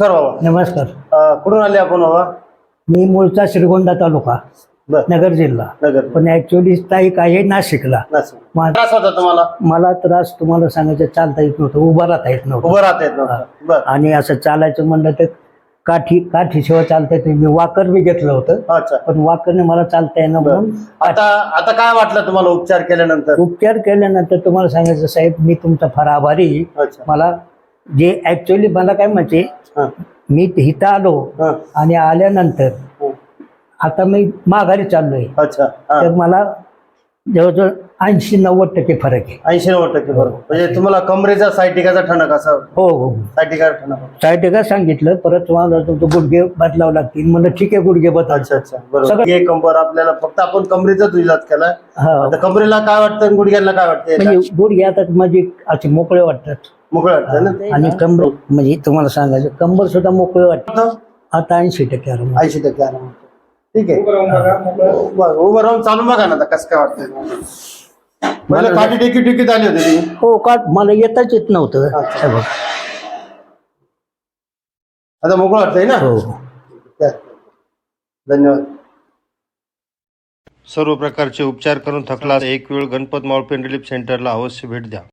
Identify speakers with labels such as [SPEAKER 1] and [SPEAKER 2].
[SPEAKER 1] नमस्कार बाबा.
[SPEAKER 2] नमस्कार.
[SPEAKER 1] कुठून आले आपण बाबा?
[SPEAKER 2] मी मूळचा श्रीगोंदा तालुका,
[SPEAKER 1] बर.
[SPEAKER 2] नगर जिल्हा,
[SPEAKER 1] नगर.
[SPEAKER 2] पण ऍक्च्युअली स्थायिक आहे नाशिकला.
[SPEAKER 1] त्रास होता तुम्हाला?
[SPEAKER 2] मला त्रास तुम्हाला सांगायचं, चालता येत नव्हतं, उभं राहता येत नव्हतं.
[SPEAKER 1] उभं राहता येत नव्हतं. बर.
[SPEAKER 2] आणि असं चालायचं म्हणलं तर काठीशिवाय चालता येत नाही. मी वाकर बी घेतलं होतं,
[SPEAKER 1] अच्छा.
[SPEAKER 2] पण वाकरने मला चालता येणं म्हणून.
[SPEAKER 1] आता काय वाटलं तुम्हाला उपचार केल्यानंतर?
[SPEAKER 2] उपचार केल्यानंतर तुम्हाला सांगायचं साहेब, मी तुमचा फार आभारी आहे.
[SPEAKER 1] अच्छा.
[SPEAKER 2] मला जे ऍक्च्युअली मला काय म्हणजे, मी इथं आलो आणि आल्यानंतर आता मी माघारी चाललोय.
[SPEAKER 1] अच्छा.
[SPEAKER 2] तर मला जवळजवळ 80-90% फरक आहे.
[SPEAKER 1] 80-90% बरोबर. म्हणजे तुम्हाला कमरेचा सायटिकाचा ठणक असा?
[SPEAKER 2] हो हो.
[SPEAKER 1] सायटिका ठणक.
[SPEAKER 2] सायटिका सांगितलं, परत मला तुमचं गुडघे बदलावं लागतील. म्हणलं ठीक आहे, गुडघे बदल.
[SPEAKER 1] अच्छा अच्छा, बरोबर. हे कंबर आपल्याला फक्त आपण कमरेचाच इलाज केला. आता कमरेला काय वाटतं, गुडघ्याला काय वाटतं?
[SPEAKER 2] म्हणजे गुडघे आता म्हणजे असे मोकळे वाटतात.
[SPEAKER 1] मोकळे वाटतं ना.
[SPEAKER 2] आणि कंबर म्हणजे तुम्हाला सांगायचं, कंबर सुद्धा मोकळे वाटतं. आता 80% आराम.
[SPEAKER 1] 80% आराम. ठीक आहे. उभं राहून चालू बघा ना, आता कसं काय वाटतं? मला काठी टेकीत आली होती ती.
[SPEAKER 2] हो का, मला येताच येत नव्हतं.
[SPEAKER 1] आता मोकळं वाटतंय ना.
[SPEAKER 2] हो.
[SPEAKER 1] धन्यवाद. सर्व प्रकारचे उपचार करून थकला एक वेळ गणपत मावळ पेन रिलीफ सेंटरला अवश्य भेट द्या.